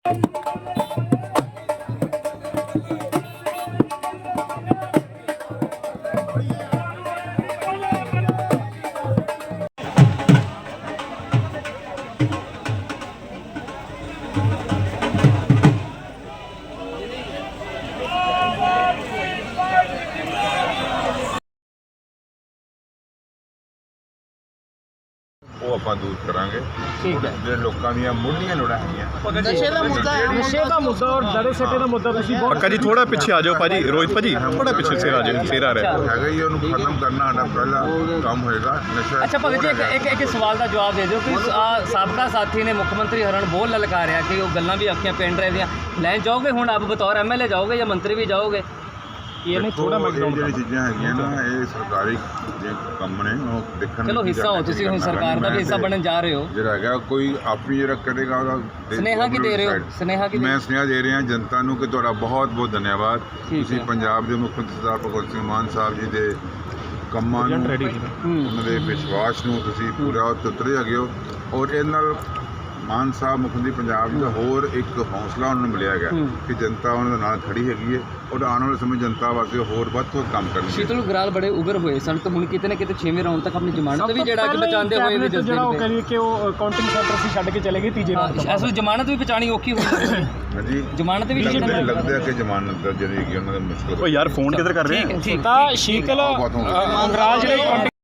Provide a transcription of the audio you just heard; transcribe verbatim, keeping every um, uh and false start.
ਉਹ ਆਪਾਂ ਦੂਰ ਕਰਾਂਗੇ। ਠੀਕ ਹੈ। ਜਿਹੜੇ ਲੋਕਾਂ ਦੀਆਂ ਮੁੱਢਲੀਆਂ ਲੋੜਾਂ ਹੈਗੀਆਂ ਨਸ਼ੇ ਦਾ ਮੁੱਦਾ ਨਸ਼ੇ ਦਾ ਮੁੱਦਾ ਔਰ ਦੜੇ ਸੱਟੇ ਦਾ ਮੁੱਦਾ ਤੁਸੀਂ ਬਹੁਤ ਪੱਕਾ ਜੀ ਥੋੜਾ ਪਿੱਛੇ ਆ ਜਾਓ ਭਾਜੀ, ਰੋਹਿਤ ਭਾਜੀ ਥੋੜਾ ਪਿੱਛੇ ਸਿਰ ਆ ਜਾਓ, ਸਿਰ ਆ ਰਿਹਾ ਹੈਗਾ ਹੀ, ਉਹਨੂੰ ਖਤਮ ਕਰਨਾ ਸਾਡਾ ਪਹਿਲਾ ਕੰਮ ਹੋਏਗਾ। ਨਸ਼ਾ ਅੱਛਾ ਭਗਤ ਜੀ ਇੱਕ ਇੱਕ ਇੱਕ ਸਵਾਲ ਦਾ ਜਵਾਬ ਦੇ ਦਿਓ ਕਿ ਆਹ ਸਾਬਕਾ ਸਾਥੀ ਨੇ ਮੁੱਖ ਮੰਤਰੀ ਹਰਨ ਬੋਲ ਲਲਕਾਰਿਆ ਕਿ ਉਹ ਗੱਲਾਂ ਵੀ ਆਖੀਆਂ ਪਿੰਡ ਰਹੇ ਦੀਆਂ ਲੈਣ ਜਾਓਗੇ, ਹੁਣ ਆਪ ਬਤੌਰ ਐਮਐਲਏ ਜਾਓਗੇ ਜਾਂ ਮੰਤਰੀ ਵੀ ਜਾਓਗੇ? ਇਹ ਨਹੀਂ ਥੋੜਾ ਮੈਂ ਜਿਹੜੀ ਚੀਜ਼ਾਂ ਹੈਗੀਆਂ ਨਾ ਇਹ ਸਰਕਾਰੀ ਜੇ ਕੰਮ ਨੇ ਉਹ ਦੇਖਣ ਚਲੋ ਹਿੱਸਾ ਹੋ ਤੁਸੀਂ, ਹੁਣ ਸਰਕਾਰ ਦਾ ਵੀ ਹਿੱਸਾ ਬਣਨ ਜਾ ਰਹੇ ਹੋ। ਜਿਹੜਾ ਹੈਗਾ ਕੋਈ ਆਪਣੀ ਜਿਹੜਾ ਕਰੇਗਾ ਉਹਦਾ ਸੁਨੇਹਾ ਕੀ ਦੇ ਰਹੇ ਹੋ? ਸੁਨੇਹਾ ਕੀ ਮੈਂ ਸੁਨੇਹਾ ਦੇ ਰਿਹਾ ਜਨਤਾ ਨੂੰ ਕਿ ਤੁਹਾਡਾ ਬਹੁਤ ਬਹੁਤ ਧੰਨਵਾਦ। ਤੁਸੀਂ ਪੰਜਾਬ ਦੇ ਮੁੱਖ ਮੰਤਰੀ ਸਰਦਾਰ ਭਗਵੰਤ ਸਿੰਘ ਮਾਨ ਸਾਹਿਬ ਜੀ ਦੇ ਕੰਮਾਂ ਨੂੰ, ਉਹਨਾਂ ਦੇ ਵਿਸ਼ਵਾਸ ਨੂੰ ਤੁਸੀਂ ਪੂਰਾ ਉਤਰੇ ਹੈਗੇ ਹੋ ਔਰ ਇਹਦੇ ਨਾਲ ਮਾਨ ਸਾਹਿਬ ਮੁੱਖ ਮੰਤਰੀ ਪੰਜਾਬ ਦਾ ਹੋਰ ਇੱਕ ਹੌਸਲਾ ਉਹਨਾਂ ਨੂੰ ਮਿਲਿਆ ਗਿਆ ਕਿ ਜਨਤਾ ਉਹਨਾਂ ਦੇ ਨਾਲ ਖੜੀ ਹੈਗੀ ਹੈ ਔਰ ਆਉਣ ਵਾਲੇ ਸਮੇਂ ਜਨਤਾ ਵਾਸਤੇ ਹੋਰ ਵੱਧ ਤੋਂ ਕੰਮ ਕਰਨਗੇ। ਸ਼ੀਤਲ ਗਰਾਲ ਬੜੇ ਉਗਰ ਹੋਏ ਸਨ ਤੇ ਹੁਣ ਕਿਤੇ ਨਾ ਕਿਤੇ ਛੇਵੇਂ ਰਾਉਂਡ ਤੱਕ ਆਪਣੀ ਜ਼ਮਾਨਤ ਵੀ ਜਿਹੜਾ ਕਿ ਬਚਾਉਂਦੇ ਹੋਏ ਵੀ ਦੱਸਦੇ ਜਿਹੜਾ ਉਹ ਕਰੀਏ ਕਿ ਉਹ ਕਾਊਂਟਿੰਗ ਸੈਂਟਰ ਸੀ ਛੱਡ ਕੇ ਚਲੇ ਗਏ ਤੀਜੇ ਰਾਉਂਡ ਤੋਂ। ਇਸ ਵੇਲੇ ਜ਼ਮਾਨਤ ਵੀ ਬਚਾਣੀ ਔਖੀ ਹੋਈ ਹੈ। ਹਾਂਜੀ ਜ਼ਮਾਨਤ ਵੀ ਲੱਗਦਾ ਲੱਗਦਾ ਕਿ ਜ਼ਮਾਨਤ ਦਾ ਜਿਹੜੀ ਹੈਗੀ ਉਹਨਾਂ ਦਾ ਮੁਸ਼ਕਲ। ਉਹ ਯਾਰ ਫੋਨ ਕਿੱਧਰ ਕਰ ਰਹੇ ਠੀਕ ਹੈ, ਠੀਕ ਤਾਂ ਸ਼ੀਤਲ ਬਹੁਤ ਹੋ ਗਿਆ। ਅੰਗਰਾਜ ਜਿਹੜੇ